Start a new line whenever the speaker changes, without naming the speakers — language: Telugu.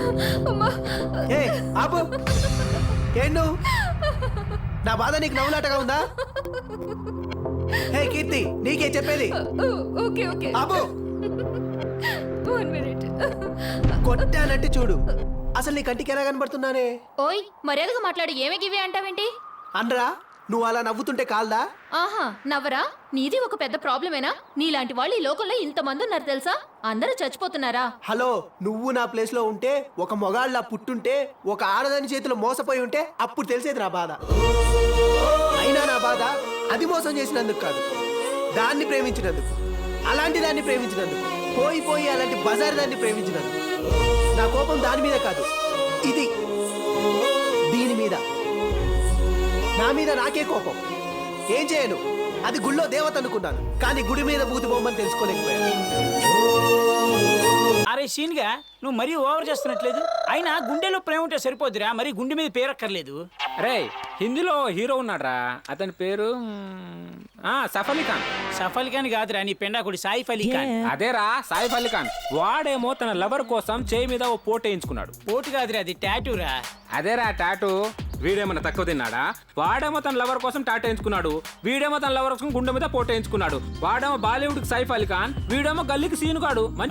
ఏ ఆపు ఏండు నా బాధ నీకు నవ్వులాటగా ఉందా? హే కీర్తి, నీకే చెప్పేది.
ఓకే ఓకే
ఆపు.
1 మినిట్.
కొట్టానంటే చూడు. అసలు నీ కంటికి ఎలా కనబడుతున్నానే?
ఓయ్ మర్యాదగా మాట్లాడు. ఏమే గివి అంటావేంటి?
అనరా, నువ్వు అలా నవ్వుతుంటే కాల్దా?
ఆహా నవ్వరా? నీది ఒక పెద్ద ప్రాబ్లమేనా? నీలాంటి వాళ్ళు ఈ లోకంలో ఇంతమంది ఉన్నారు తెలుసా? అందరూ చచ్చిపోతున్నారా?
హలో, నువ్వు నా ప్లేస్ లో ఉంటే, ఒక మొగాళ్ళ పుట్టుంటే, ఒక ఆడదాని చేతిలో మోసపోయి ఉంటే అప్పుడు తెలిసేది నా బాధ. అయినా నా బాధ అది మోసం చేసినందుకు కాదు, దాన్ని ప్రేమించినందుకు. అలాంటి దాన్ని ప్రేమించినందుకు, పోయి పోయి అలాంటి బజార్ దాన్ని ప్రేమించినందుకు. నా కోపం దాని మీద కాదు, ఇది దీని మీద. నా మీద నాకే కోపం. ఏం చేయను, అది గుళ్ళో దేవత అనుకున్నాను, కానీ గుడి మీద బూతి బొమ్మని తెలుసుకోలేకపోయాను.
అరే సీన్గా నువ్వు మరీ ఓవర్ చేస్తున్నట్లేదు. అయినా గుండెలో ప్రేమ ఉంటే సరిపోద్దిరా, మరి గుండె మీద పేరక్కర్లేదు.
రే హిందీలో హీరో ఉన్నాడ్రా, అతని పేరు సైఫ్ అలీ ఖాన్.
సఫ్ అలీ ఖాన్ కాదురా, నీ పెండాకుడి సాయిఫ్ అలీ ఖాన్.
అదేరా సైఫ్ అలీ ఖాన్. వాడేమో తన లవర్ కోసం చేయి మీద ఓ పోటు వేయించుకున్నాడు.
పోటు కాదురా, అది టాటూరా.
అదేరా టాటూ. వీడేమన్నా తక్కువ తిన్నాడా? వాడేమో తన లవర్ కోసం టాటూ వేయించుకున్నాడు, వీడేమో తన లవర్ కోసం గుండె మీద పోటు వేయించుకున్నాడు. వాడేమో బాలీవుడ్ కి సైఫ్ అలీ ఖాన్, వీడేమో గల్లీకి సీనుగాడు.